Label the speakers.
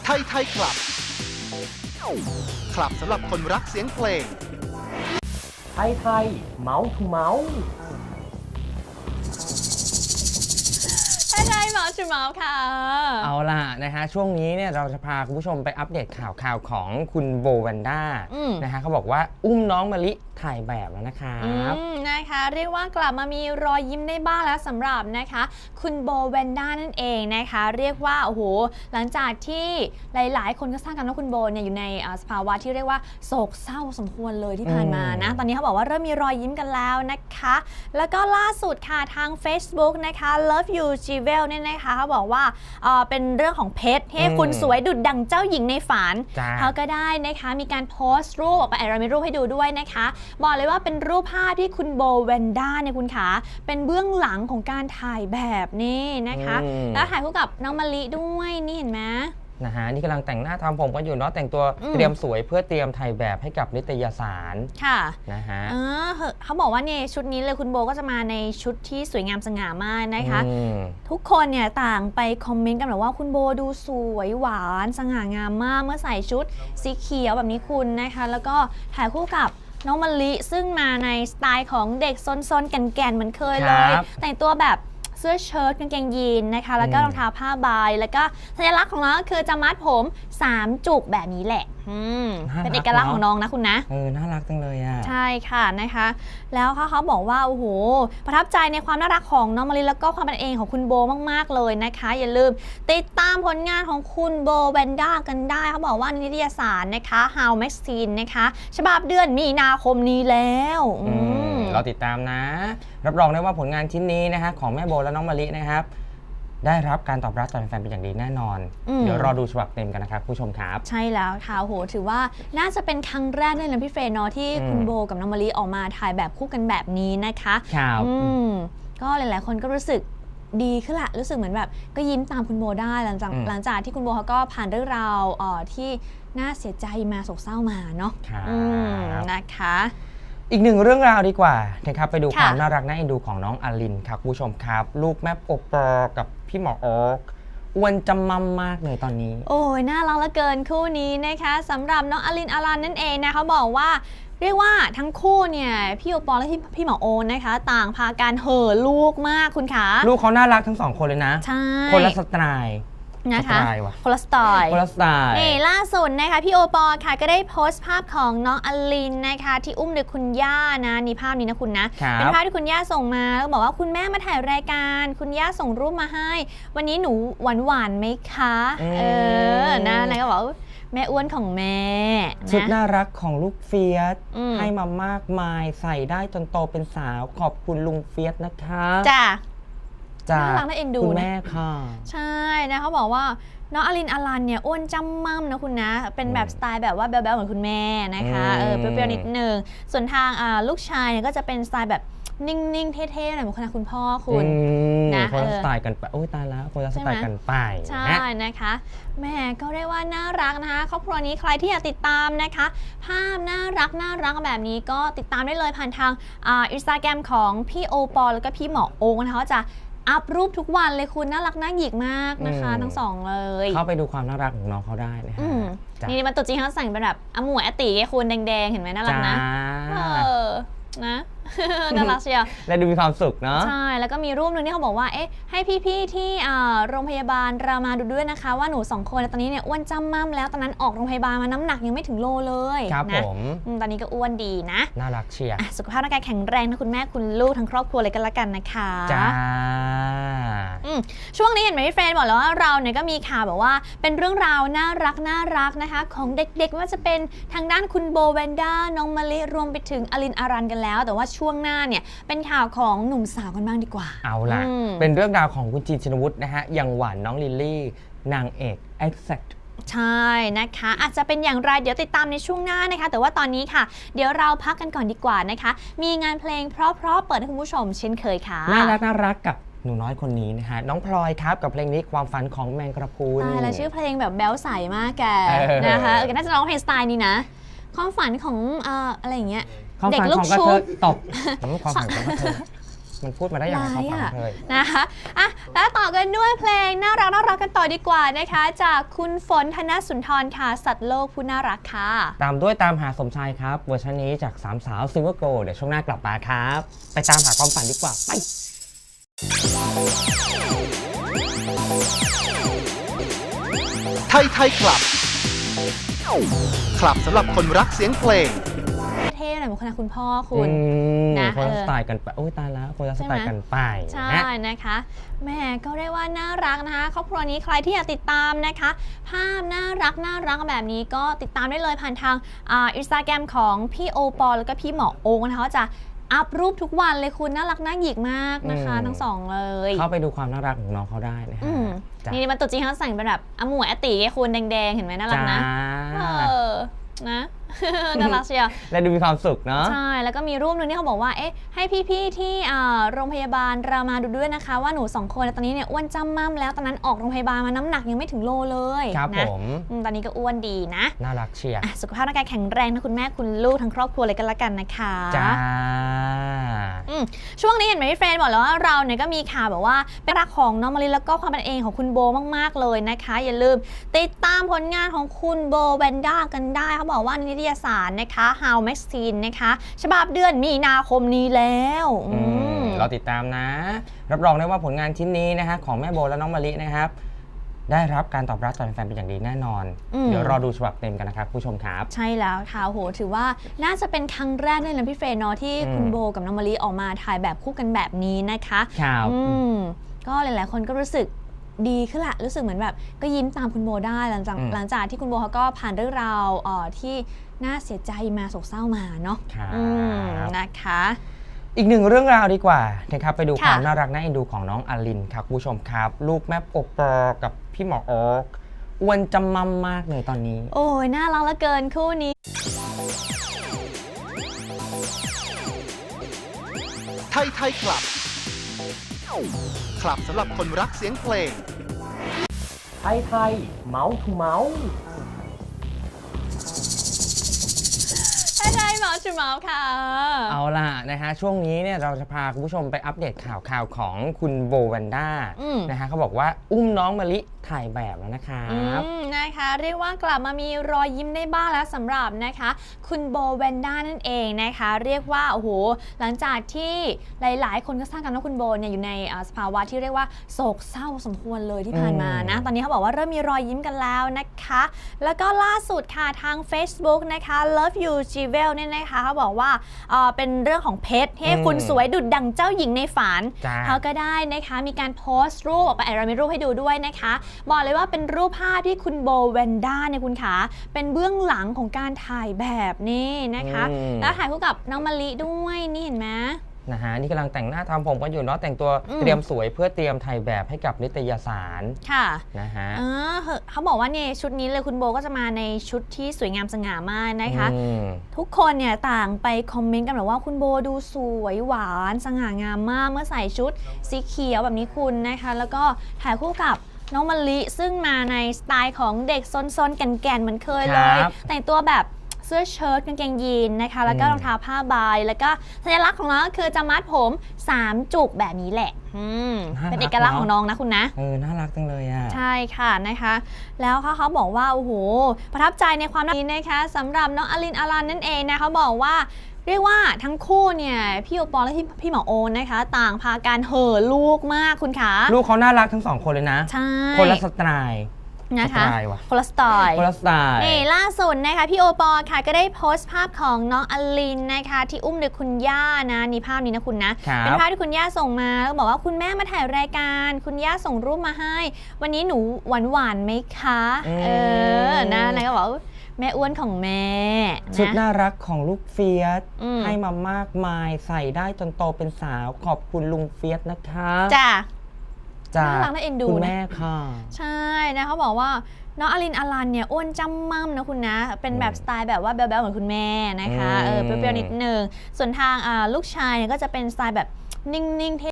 Speaker 1: ไทยไทยคลับ คลับสำหรับคนรักเสียงเพลง
Speaker 2: ไทยไทยเมาส์ทูเมาส์
Speaker 3: ไทยเมาส์ทูเมาส์ค่ะ
Speaker 2: เอาล่ะนะฮะช่วงนี้เนี่ยเราจะพาคุณผู้ชมไปอัปเดตข่าวของคุณโบแวนด้านะฮะเขาบอกว่าอุ้มน้องมะลิถ่ายแบบแล้วนะครับ
Speaker 3: นะคะเรียกว่ากลับมามีรอยยิ้มได้บ้างแล้วสำหรับนะคะคุณโบแวนด้านั่นเองนะคะเรียกว่าโอ้โหหลังจากที่หลายๆคนก็ทราบกันว่าคุณโบเนี่ยอยู่ในสภาวะที่เรียกว่าโศกเศร้าสมควรเลยที่ผ่านมานะตอนนี้เขาบอกว่าเริ่มมีรอยยิ้มกันแล้วนะคะแล้วก็ล่าสุดค่ะทาง Facebook นะคะ Love You Jewel เนี่ยนะคะเขาบอกว่าเป็นเรื่องของเพชรให้คุณสวยดุจดั่งเจ้าหญิงในฝันเขาก็ได้นะคะมีการโพสต์รูปออกไปเรามีรูปให้ดูด้วยนะคะบอกเลยว่าเป็นรูปภาพที่คุณโบแวนด้าเนี่ยคุณขาเป็นเบื้องหลังของการถ่ายแบบนี่นะคะแล้วถ่ายคู่กับน้องมะลิด้วยนี่เห็นไหม
Speaker 2: นะฮะนี่กำลังแต่งหน้าทำผมกันอยู่เนาะแต่งตัวเตรียมสวยเพื่อเตรียมถ่ายแบบให้กับนิตยสาร
Speaker 3: ค่ะ
Speaker 2: นะฮะ
Speaker 3: เขาบอกว่าเนี่ยชุดนี้เลยคุณโบก็จะมาในชุดที่สวยงามสง่ามากนะคะทุกคนเนี่ยต่างไปคอมเมนต์กันแบบว่าคุณโบดูสวยหวานสง่างามมากเมื่อใส่ชุดสีเขียวแบบนี้คุณนะคะแล้วก็ถ่ายคู่กับน้องมะลิซึ่งมาในสไตล์ของเด็กซนๆแก่นๆเหมือนเคยเลยแต่งตัวแบบเสื้อเชิ้ตกางเกงยีนนะคะแล้วก็รองเท้าผ้าใบแล้วก็สัญลักษณ์ของน้องก็คือจะมัดผม3จุกแบบนี้แหละเป็นเอกลักษณ์ของน้องนะคุณนะ
Speaker 2: น่ารักจังเลยอ่ะ
Speaker 3: ใช่ค่ะนะคะแล้วเขาบอกว่าโอ้โหประทับใจในความน่ารักของน้องมะลิแล้วก็ความเป็นเองของคุณโบมากๆเลยนะคะอย่าลืมติดตามผลงานของคุณโบแวนด้ากันได้เขาบอกว่านิตยสารนะคะ How Magazine นะคะฉบับเดือนมีนาคมนี้แล้ว
Speaker 2: เราติดตามนะรับรองได้ว่าผลงานชิ้นนี้นะฮะของแม่โบและน้องมะลินะครับได้รับการตอบรับจากแฟนเป็นอย่างดีแน่นอนเดี๋ยวรอดูฉบับเต็มกันนะครับผู้ชมครับ
Speaker 3: ใช่แล้วค่ะโหถือว่าน่าจะเป็นครั้งแรกเลยนะพี่เฟย์เนาะที่คุณโบกับน้องมะลิออกมาถ่ายแบบคู่กันแบบนี้นะคะ
Speaker 2: ครับ
Speaker 3: ก็หลายๆคนก็รู้สึกดีขึ้นละรู้สึกเหมือนแบบก็ยิ้มตามคุณโบได้หลังจากที่คุณโบเขาก็ผ่านเรื่องราวที่น่าเสียใจมาโศกเศร้ามาเนาะนะคะ
Speaker 2: อีกหนึ่งเรื่องราวดีกว่านะครับไปดูความน่ารักน่าเอ็นดูของน้องอลินครับผู้ชมครับลูกแม่โอปอกับพี่หมอโอ๊กอ้วนจำมั่มมากเลยตอนนี้
Speaker 3: โอ้ยน่ารักเหลือเกินคู่นี้นะคะสำหรับน้องอลินอลันนั่นเองนะเขาบอกว่าเรียกว่าทั้งคู่เนี่ยพี่โอปอและพี่หมอโอนะคะต่างพาการเห่อลูกมากคุณคะ
Speaker 2: ลูกเขาน่ารักทั้งสองคนเลยนะ
Speaker 3: ใช่
Speaker 2: คนละสไตล์
Speaker 3: นะคะคนละสไตล์นี่ล่าสุดนะคะพี่โอปอค่ะก็ได้โพสต์ภาพของน้องอลินนะคะที่อุ้มโดยคุณย่านะนี่ภาพนี้นะคุณนะเป็นภาพที่คุณย่าส่งมาแล้วบอกว่าคุณแม่มาถ่ายรายการคุณย่าส่งรูปมาให้วันนี้หนูหวานไหมคะนะนายก็บอกแม่อ้วนของแม่
Speaker 2: ชุดน่ารักของลูกเฟียสให้มามากมายใส่ได้จนโตเป็นสาวขอบคุณลุงเฟียสนะคะ
Speaker 3: จ้าน่ารักน่าเอ็นดู
Speaker 2: คุณแม่ค่ะ
Speaker 3: ใช่นะเขาบอกว่าน้องอลินอลันเนี่ยอ้วนจำมั่มนะคุณนะเป็นแบบสไตล์แบบว่าแบ๊วๆเหมือนคุณแม่นะคะเปรี้ยวๆนิดนึงส่วนทางลูกชายเนี่ยก็จะเป็นสไตล์แบบนิ่งๆเท่ๆหน่อยเหมือนคุณพ่อคุณ
Speaker 2: นะคนละสไตล์กันไปโอ้ยตายแล้วคนละสไตล์กันไป
Speaker 3: ใช่นะคะแม่ก็เรียกว่าน่ารักนะคะครอบครัวนี้ใครที่อยากติดตามนะคะภาพน่ารักแบบนี้ก็ติดตามได้เลยผ่านทางInstagram ของพี่โอปอแล้วก็พี่หมอโอ๊กนะคะจะอัพรูปทุกวันเลยคุณน่ารักน่าหยิกมากนะคะทั้งสองเลย
Speaker 2: เข้าไปดูความน่ารักของน้องเขาได้นะคะ
Speaker 3: นี่มันตัวจริงเขาใส่เป็นแบบอมวยอติไงคุณแดงๆเห็นไหมน่ารักนะนะน่ารักเชียว
Speaker 2: และดูมีความสุขเนาะ
Speaker 3: ใช่แล้วก็มีรูปนึงที่เขาบอกว่าให้พี่ๆที่โรงพยาบาลรามาดูด้วยนะคะว่าหนู2คนตอนนี้เนี่ยอ้วนจ้ำม่ำแล้วตอนนั้นออกโรงพยาบาลมาน้ำหนักยังไม่ถึงโลเลย
Speaker 2: ครับ
Speaker 3: นะ
Speaker 2: ผม
Speaker 3: ตอนนี้ก็อ้วนดีนะ
Speaker 2: น่ารักเชียร์
Speaker 3: สุขภาพร่างกายแข็งแรงนะคุณแม่คุณลูกทั้งครอบครัวเลยกันละกันนะคะ
Speaker 2: จ้า
Speaker 3: ช่วงนี้เห็นไหมพี่เฟรนบอกแล้วว่าเราเนี่ยก็มีข่าวแบบว่าเป็นเรื่องราวน่ารักนะคะของเด็กๆไม่ว่าจะเป็นทางด้านคุณโบแวนด้าน้องมะลิรวมไปถึงอลินอารันกันแล้วแต่ว่าช่วงหน้าเนี่ยเป็นข่าวของหนุ่มสาวกันบ้างดีกว่า
Speaker 2: เอาล่ะเป็นเรื่องราวของคุณจีนชินวุฒินะฮะอย่างหวานน้องลิลลี่นางเอก Exact
Speaker 3: ใช่นะคะอาจจะเป็นอย่างไรเดี๋ยวติดตามในช่วงหน้านะคะแต่ว่าตอนนี้ค่ะเดี๋ยวเราพักกันก่อนดีกว่านะคะมีงานเพลงเพราะๆเปิดให้คุณผู้ชมเช่นเคยค่ะ
Speaker 2: น่ารักกับหนูน้อยคนนี้นะคะน้องพลอยครับกับเพลงนี้ความฝันของแมงกระพรุน
Speaker 3: แล้วชื่อเพลงแบบแบ๊วใสมากแกนะคะน่าจะร้องเพลงสไตล์นี้นะความฝันของอะไรอย่างเงี้ย
Speaker 2: เด็กลูกชุบตบความฝันของกระเทยมันพูดมาได้ยังไงครับฟังเลย
Speaker 3: นะคะแล้วต่อกันด้วยเพลงน่ารักกันต่อดีกว่านะคะจากคุณฝนธนสุนทรค่ะสัตว์โลกผู้น่ารักค่ะ
Speaker 2: ตามด้วยตามหาสมชายครับเวอร์ชันนี้จากสามสาวซิงเกิลโกลเดี๋ยวช่วงหน้ากลับมาครับไปตามหาความฝันดีกว่าไป
Speaker 1: ไทยคลับ คลับสำหรับคนรักเสียงเพลง
Speaker 3: เท่หน่อยเหมือนคุณพ่อคุณ
Speaker 2: นะคนละสไตล์กันไปโอ้ยตายแล้วคนละสไตล์กันไป
Speaker 3: ใช่นะคะแม่ก็เรียกว่าน่ารักนะคะครอบครัวนี้ใครที่อยากติดตามนะคะภาพน่ารักแบบนี้ก็ติดตามได้เลยผ่านทางInstagram ของพี่โอปอแล้วก็พี่หมอโอ๊คนะคะจะอัพรูปทุกวันเลยคุณน่ารักน่าหยิกมากนะคะทั้งสองเลย
Speaker 2: เข้าไปดูความน่ารักของน้องเขาได้นะฮะ
Speaker 3: นี่มันตัวจริงเขาใส่เป็นแบบอมูอติคุณแดงๆเห็นไหมน่ารักนะนะน่ารักเชียว
Speaker 2: และดูมีความสุขเนาะ
Speaker 3: ใช่แล้วก็มีรูปนึงที่เขาบอกว่าให้พี่ๆที่โรงพยาบาลรามาดูด้วยนะคะว่าหนู2คนตอนนี้เนี่ยอ้วนจ้ำม่ำแล้วตอนนั้นออกโรงพยาบาลมาน้ำหนักยังไม่ถึงโลเลย
Speaker 2: ครับ
Speaker 3: นะ
Speaker 2: ผม
Speaker 3: ตอนนี้ก็อ้วนดีนะ
Speaker 2: น่ารักเชียร์
Speaker 3: สุขภาพร่างกายแข็งแรงนะคุณแม่คุณลูกทั้งครอบครัวเลยกันละกันนะคะ
Speaker 2: จ้า
Speaker 3: ช่วงนี้เห็นไหมพี่เฟรนบอกแล้วว่าเราเนี่ยก็มีข่าวแบบว่าเป็นรักของน้องมะลิแล้วก็ความเป็นเองของคุณโบมากๆเลยนะคะอย่าลืมติดตามผลงานของคุณโบแวนด้ากันได้เขาบอกว่านิตยสารนะคะ How Magazine นะคะฉบับเดือนมีนาคมนี้แล้ว
Speaker 2: เราติดตามนะรับรองได้ว่าผลงานชิ้นนี้นะคะของแม่โบและน้องมะลินะครับได้รับการตอบรับจากแฟนเป็นอย่างดีแน่นอนเดี๋ยวรอดูฉบับเต็มกันนะครับผู้ชมครับ
Speaker 3: ใช่แล้วค่ะโหถือว่าน่าจะเป็นครั้งแรกเลยนะพี่เฟรนเนาะที่คุณโบกับน้องมะลิออกมาถ่ายแบบคู่กันแบบนี้นะคะ
Speaker 2: ครับ
Speaker 3: ก็หลายๆคนก็รู้สึกดีขึ้นละรู้สึกเหมือนแบบก็ยิ้มตามคุณโบได้หลังจากที่คุณโบเขาก็ผ่านเรื่องราวที่น่าเสียใจมาโศกเศร้ามาเนาะนะคะ
Speaker 2: อีกหนึ่งเรื่องราวดีกว่านะครับไปดูความน่ารักน่าเอ็นดูของน้องอลินครับผู้ชมครับลูกแม่โอปอกับพี่หมอโอ๊คอ้วนจำมั่มมากเลยตอนนี้
Speaker 3: โอ้ยน่ารักเหลือเกินคู่นี้
Speaker 1: ไทยคลับ คลับสำหรับคนรักเสียงเพลง
Speaker 2: ไทยเมาส์ทูเมาส์
Speaker 3: ไทยเมาส์ทูเมาส์ค่ะ
Speaker 2: เอาล่ะนะฮะช่วงนี้เนี่ยเราจะพาคุณผู้ชมไปอัปเดตข่าวของคุณโบแวนด้านะฮะเขาบอกว่าอุ้มน้องมะลิถ่ายแบบแล้วนะครับ
Speaker 3: นะคะเรียกว่ากลับมามีรอยยิ้มได้บ้างแล้วสำหรับนะคะคุณโบแวนด้านั่นเองนะคะเรียกว่าโอ้โหหลังจากที่หลายๆคนก็ทราบกันว่าคุณโบเนี่ยอยู่ในสภาวะที่เรียกว่าโศกเศร้าสมควรเลยที่ผ่านมานะตอนนี้เขาบอกว่าเริ่มมีรอยยิ้มกันแล้วนะคะแล้วก็ล่าสุดค่ะทาง Facebook นะคะ Love You Jewel เนี่ยนะคะเขาบอกว่าเป็นเรื่องของเพชรให้คุณสวยดุจดั่งเจ้าหญิงในฝันเขาก็ได้นะคะมีการโพสต์รูปออกไปเรามีรูปให้ดูด้วยนะคะบอกเลยว่าเป็นรูปภาพที่คุณโบแวนด้าเนี่ยคุณขาเป็นเบื้องหลังของการถ่ายแบบนี้นะคะแล้วถ่ายคู่กับน้องมะลิด้วยนี่เห็นไหม
Speaker 2: นะฮะนี่กำลังแต่งหน้าทำผมกันอยู่เนาะแต่งตัวเตรียมสวยเพื่อเตรียมถ่ายแบบให้กับนิตยสาร
Speaker 3: ค่ะ
Speaker 2: นะฮะ
Speaker 3: เขาบอกว่าเนี่ยชุดนี้เลยคุณโบก็จะมาในชุดที่สวยงามสง่ามากนะคะทุกคนเนี่ยต่างไปคอมเมนต์กันแบบว่าคุณโบดูสวยหวานสง่างามมากเมื่อใส่ชุดสีเขียวแบบนี้คุณนะคะแล้วก็ถ่ายคู่กับน้องมะลิซึ่งมาในสไตล์ของเด็กซนๆแก่นๆเหมือนเคยเลยแต่งตัวแบบเสื้อเชิ้ตกางเกงยีนนะคะแล้วก็รองเท้าผ้าใบแล้วก็สัญลักษณ์ของน้องก็คือจะมัดผม3จุกแบบนี้แหละเป็นเอกลักษณ์ของน้องนะคุณนะ
Speaker 2: น่ารักจังเลยอ่ะ
Speaker 3: ใช่ค่ะนะคะแล้วเขาบอกว่าโอ้โหประทับใจในความน่ารักนะคะสำหรับน้องอลินอลันนั่นเองนะเขาบอกว่าเรียกว่าทั้งคู่เนี่ยพี่โอปอและพี่หมอโอนนะคะต่างพาการเห่อลูกมากคุณคะ
Speaker 2: ลูกเขาน่ารักทั้ง2คนเลยนะ
Speaker 3: ใช่
Speaker 2: คนละสไตล์
Speaker 3: นะคะคนละสไตล์นี่ล่าสุดนะคะพี่โอปอค่ะก็ได้โพสต์ภาพของน้องอลินนะคะที่อุ้มโดยคุณย่านะนี่ภาพนี้นะคุณนะเป็นภาพที่คุณย่าส่งมาแล้วบอกว่าคุณแม่มาถ่ายรายการคุณย่าส่งรูปมาให้วันนี้หนูหวานไหมคะนะแล้วก็บอกแม่อ้วนของแม่
Speaker 2: ชุดน่ารักของลูกเฟียสให้มามากมายใส่ได้จนโตเป็นสาวขอบคุณลุงเฟียสนะคะ
Speaker 3: จ้าน่ารักน่าเอ็นดู
Speaker 2: คุณแม่ค่ะ
Speaker 3: ใช่นะเขาบอกว่าน้องอลินอลันเนี่ยอ้วนจ้ำม่ำนะคุณนะเป็นแบบสไตล์แบบว่าแบ๊วๆเหมือนคุณแม่นะคะเปรี้ยวๆนิดนึงส่วนทางลูกชายเนี่ยก็จะเป็นสไตล์แบบนิ่งๆ